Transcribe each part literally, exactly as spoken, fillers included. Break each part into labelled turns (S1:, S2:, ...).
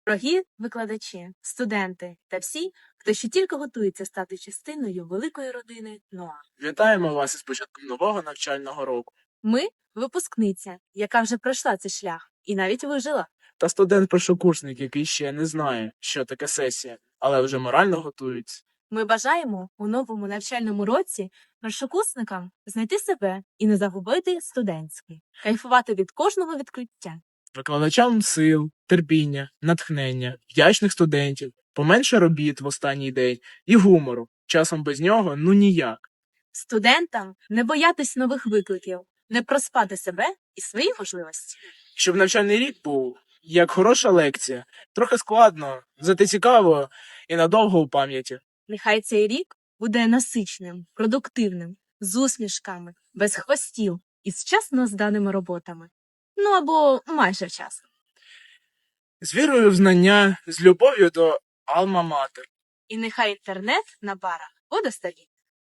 S1: Дорогі викладачі, студенти та всі, хто ще тільки готується стати частиною великої родини НОА.
S2: Вітаємо вас із початком нового навчального року.
S1: Ми – випускниця, яка вже пройшла цей шлях і навіть вижила.
S2: Та студент-першокурсник, який ще не знає, що таке сесія, але вже морально готується.
S1: Ми бажаємо у новому навчальному році першокурсникам знайти себе і не загубити студентський, кайфувати від кожного відкриття.
S2: Викладачам сил, терпіння, натхнення, вдячних студентів, поменше робіт в останній день і гумору. Часом без нього ну ніяк.
S1: Студентам не боятись нових викликів, не проспати себе і свої можливості.
S2: Щоб навчальний рік був як хороша лекція, трохи складно, зате цікаво і надовго у пам'яті.
S1: Нехай цей рік буде насиченим, продуктивним, з усмішками, без хвостів і з вчасно зданими роботами. Ну або майже вчасно.
S2: З вірою в знання, з любов'ю до Алма-Матер.
S1: І нехай інтернет на барах буде стабільним.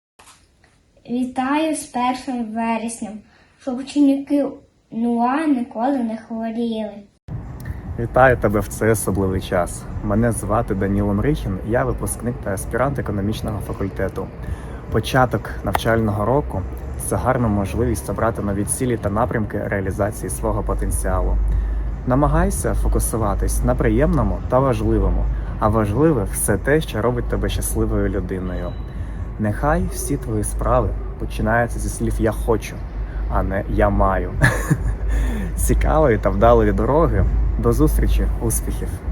S3: Вітаю з першим вереснем, щоб ученики НУА ніколи не хворіли.
S4: Вітаю тебе в цей особливий час. Мене звати Даніло Мрихін, я випускник та аспірант економічного факультету. Початок навчального року – це гарна можливість обрати нові цілі та напрямки реалізації свого потенціалу. Намагайся фокусуватись на приємному та важливому, а важливе – все те, що робить тебе щасливою людиною. Нехай всі твої справи починаються зі слів «я хочу», а не «я маю». Цікавої та вдалої дороги. До зустрічі, успіхів!